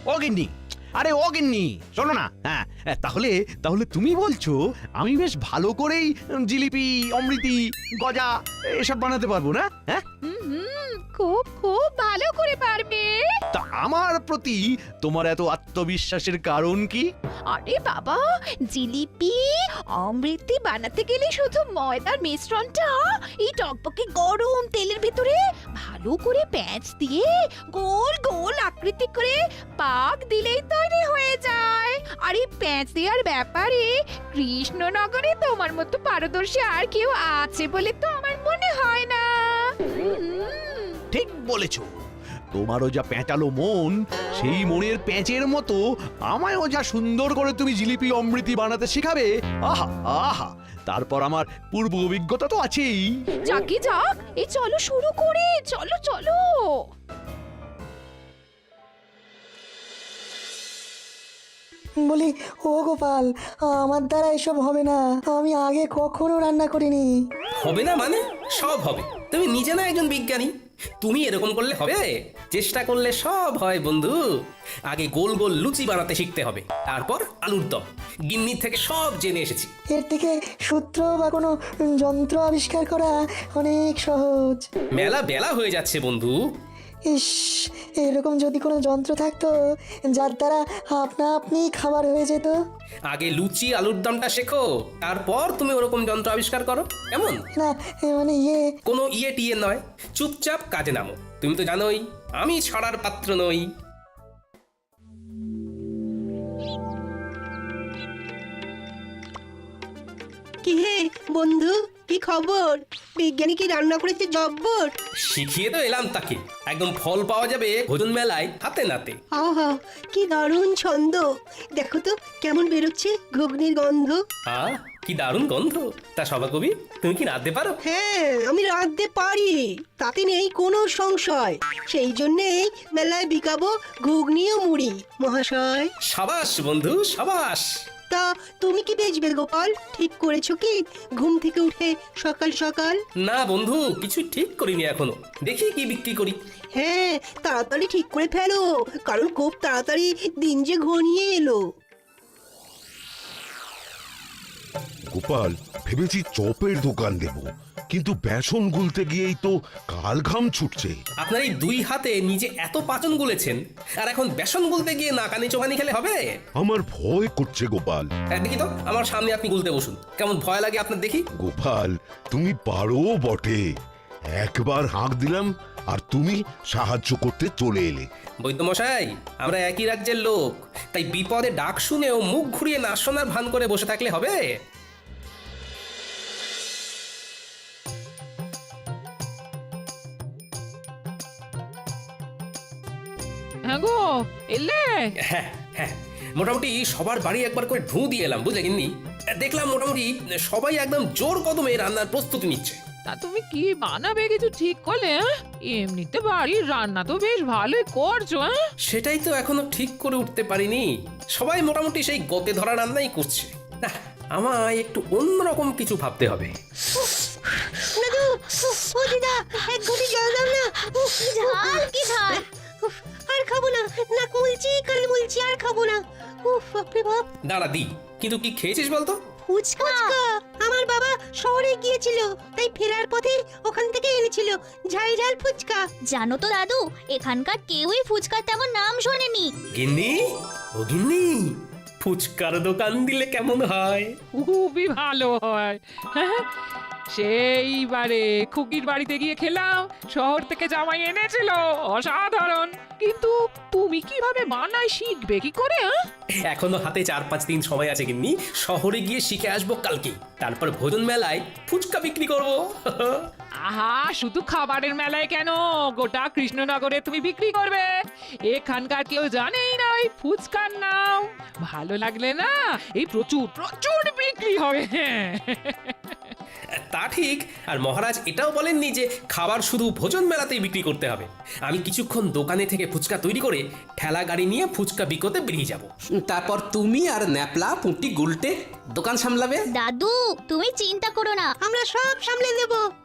ও গিন্নি, আরে ও গিন্নি, শোনো না। হ্যাঁ, তাহলে তাহলে তুমি বলছো আমি বেশ ভালো করেই জিলিপি, অমৃতি, গজা এসব বানাতে পারবো না? হ্যাঁ, খুব খুব ভালো করে পারবে। তা আমার প্রতি তোমার এত আত্মবিশ্বাসের কারণ কি? আরে বাবা, জিলিপি অমৃতি বানাতে গেলে শুধু ময়দার মিশ্রণটা এই টকবকে গরম তেলের ভিতরে ভালো করে প্যাঁচ দিয়ে গোল গোল আকৃতি করে পাক দিলেই তৈরি হয়ে যায়। আর এই প্যাঁচ দেওয়ার ব্যাপারে কৃষ্ণনগরে তোমার মতো পারদর্শী আর কেউ আছে বলে তো আমার মনে হয় না। ঠিক বলেছ, তোমারও যা প্যাঁচালো মন, সেই মনের প্যাঁচের মতো আমায়ও যা সুন্দর করে তুমি জিলিপি অমৃতি বানাতে শেখাবে, আহা আহা, তারপর আমার পূর্ব অভিজ্ঞতা তো আছেই। যাকে যাক, এই চলো শুরু করে, চলো চলো। বলি, ও গোপাল, আমার দ্বারা এসব হবে না। আমি আগে কখনো রান্না করিনি। হবে না মানে? সব হবে। তুমি নিজে না একজন বিজ্ঞানী, তুমি এরকম করলে হবে? চেষ্টা করলে সব হয় বন্ধু। আগে গোল গোল লুচি বানাতে শিখতে হবে, তারপর আলুর দম। গিন্নির থেকে সব জেনে এসেছি। এর থেকে সূত্র বা কোনো যন্ত্র আবিষ্কার করা অনেক সহজ। মেলা বেলা হয়ে যাচ্ছে বন্ধু। ইস, এরকম যদি কোনো যন্ত্র থাকতো যার দ্বারা আপনা আপনি খাবার হয়ে যেত। আগে লুচি আলুর দমটা শেখো, তারপর তুমি ওরকম যন্ত্র আবিষ্কার করো, কেমন? না, মানে কোনো ইয়ে টিয়ে নয়, চুপচাপ কাজে নামো। তুমি তো জানোই আমি ছড়ার পাত্র নই। কি হে বন্ধু, কি খবর? বিজ্ঞানী কি রান্না করেছে জব্বর? শিখিয়ে তো এলাম তাকে, একদম ফল পাওয়া যাবে ভোজন মেলায় হাতে নাতে। আহা, কি দারুণ ছন্দ! দেখো তো কেমন বেরোচ্ছে ঘুগনির গন্ধ। কি দারুণ গন্ধ! তা সভা কবি, তুমি কি রাঁধতে পারো? হ্যাঁ, আমি রাঁধতে পারি, তাতে নেই কোনো সংশয়। সেই জন্যেই মেলায় বিকাবো ঘুগনি ও মুড়ি মহাশয়। সাবাস বন্ধু, সাবাস। তা তুমি কি বেচবে গোপাল? ঠিক করেছো কি ঘুম থেকে উঠে সকাল সকাল? না বন্ধু, কিছু ঠিক করিনি এখনো, দেখি কি বিক্রি করি। হ্যাঁ, তাড়াতাড়ি ঠিক করে ফেলো, কারণ খুব তাড়াতাড়ি দিন যে ঘনিয়ে এলো। গোপাল, ভেবেছি চপের দোকান দেব, কিন্তু বেসন গুলতে গিয়েই তো কাল ঘাম ছুটছে। আপনার এই দুই হাতে নিজে এত পাচন গুলেছেন, আর এখন বেসন গুলতে গিয়ে নাকানি চোখানি খেলে হবে? আমার ভয় করছে গোপাল। দেখি তো, আমার সামনে আপনি গুলতে বসুন, কেমন ভয় লাগে আপনার দেখি। গোপাল, তুমি পারো বটে। একবার হাঁক দিলাম আর তুমি সাহায্য করতে চলে এলে। বৈদ্যমশাই, আমরা একই রাজ্যের লোক, তাই বিপদে ডাক শুনেও মুখ ঘুরিয়ে না শোনার ভান করে বসে থাকলে হবে? হ্যাঁ গো, এলে? হ্যাঁ হ্যাঁ, মোটামুটি সবার বাড়ি একবার করে ঢু দিয়ে এলাম, বুঝলে গিন্নি। দেখলাম মোটামুটি সবাই একদম জোর কদমে রান্নার প্রস্তুতি নিচ্ছে। তা তুমি কি বানাবে কিছু ঠিক করলে? এমনিতে বাড়ির রান্না তো বেশ ভালোই করছো। সেটাই তো এখনো ঠিক করে উঠতে পারিনি। সবাই মোটামুটি সেই গতে ধরা রান্নাই করছে। না, আমায় একটু অন্যরকম কিছু ভাবতে হবে। দাদু, ও দিদা, এক ঘটি জল দাও না। কি ঝাল, কি ঝাল! আর খাবো না, নাক মুলছি, কান মুলছি, আর খাবো না। উফ, বাপরে বাপ! দাঁড়া দি, কিন্তু কি খেয়েছিস বলতো? ফুচকা। আমার বাবা শহরে গিয়েছিল, তাই ফেরার পথে ওখান থেকে এনেছিল ঝাল ঝাল ফুচকা। জানো তো দাদু, এখানকার কেউই ফুচকার তেমন নাম শোনেনি। গিন্নি, ও গিন্নি, ফুচকার দোকান দিলে কেমন হয়? খুবই ভালো হয়। সেইবারে খুকির বাড়িতে গিয়ে খেলাম, শহর থেকে জামাই এনেছিল, অসাধারণ। কিন্তু তুমি কিভাবে বানাই শিখবে কি করে? এখনো হাতে 4-5 দিন সময় আছে গিন্নি, শহরে গিয়ে শিখে আসবো কালকে, তারপর ভোজন মেলায় ফুচকা বিক্রি করব। আহা, শুধু খাবারের মেলায় কেন, গোটা কৃষ্ণনগরে তুমি বিক্রি করবে। এখানকার কেউ জানেই না ওই ফুচকার নাম। ভালো লাগলে না, এই প্রচুর প্রচুর বিক্রি হবে। তা ঠিক, আর মহারাজ এটাও বলেননি যে খাবার শুধু ভোজন মেলাতেই বিক্রি করতে হবে। আমি কিছুক্ষণ দোকানে থেকে ফুচকা তৈরি করে ঠেলা গাড়ি নিয়ে ফুচকা বিকোতে বেরিয়ে যাব। তারপর তুমি আর ন্যাপলা পুঁটি গুলটে দোকান সামলাবে। দাদু, তুমি চিন্তা করো না, আমরা সব সামলে দেব।